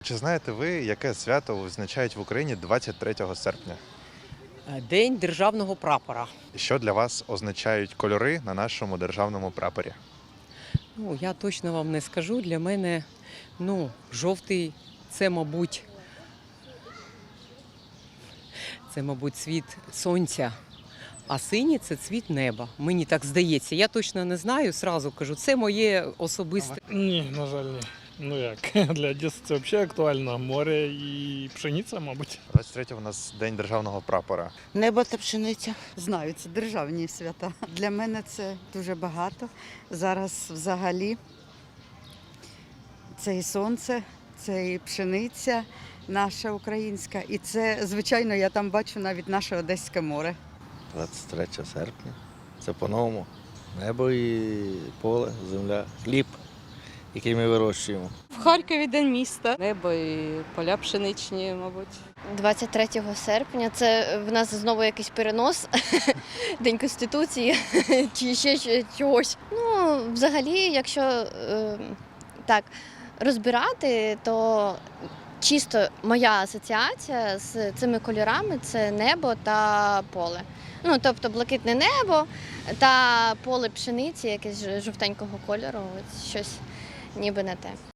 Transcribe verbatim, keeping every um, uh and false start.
Чи знаєте ви, яке свято відзначають в Україні двадцять третього серпня? День державного прапора. І що для вас означають кольори на нашому державному прапорі? Ну, я точно вам не скажу. Для мене ну, жовтий це, мабуть, це, мабуть, цвіт сонця, а синій це цвіт неба. Мені так здається. Я точно не знаю, зразу кажу, це моє особисте. Ні, на жаль, ні. Ну як, для Одеси це взагалі актуально. Море і пшениця, мабуть. двадцять третього у нас День державного прапора. Небо та пшениця. Знаю, це державні свята. Для мене це дуже багато. Зараз взагалі це і сонце, це і пшениця наша українська. І це, звичайно, я там бачу навіть наше Одеське море. двадцять третього серпня. Це по-новому. Небо і поле, земля, хліб, який ми вирощуємо. В Харкові день міста. Небо і поля пшеничні, мабуть. двадцять третього серпня це в нас знову якийсь перенос, День Конституції чи ще чогось. Ну, взагалі, якщо е, так розбирати, то чисто моя асоціація з цими кольорами це небо та поле. Ну, тобто блакитне небо та поле пшениці, якесь жовтенького кольору, ось щось ніби не те.